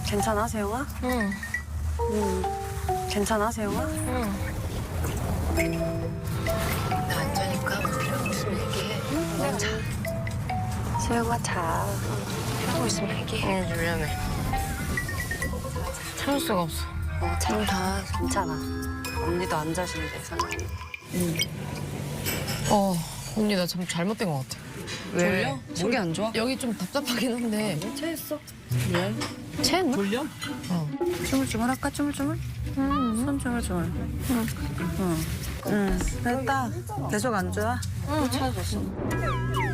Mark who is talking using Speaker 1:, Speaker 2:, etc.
Speaker 1: 괜찮아, 세영아?
Speaker 2: 응.
Speaker 1: 괜찮아, 세영아?
Speaker 2: 응. 나 안 자니까 뭐 필요하고 있으면 얘기해. 난 자.
Speaker 1: 세영아, 자.
Speaker 2: 필요하고 있으면 얘기해. 응, 미안해. 참을 수가 없어.
Speaker 1: 자. 괜찮아. 언니도 안 자신데, 사장님.
Speaker 2: 언니 나 참 잘못된 것 같아.
Speaker 1: 왜?
Speaker 2: 졸려?
Speaker 1: 속이 안 좋아?
Speaker 2: 여기 좀 답답하긴 한데.
Speaker 1: 체했어.
Speaker 2: 왜? 체했나?
Speaker 1: 졸려? 주물주물 할까, 주물주물? 손 주물주물. 응. 됐다. 계속 안 좋아? 또 찾아줬어.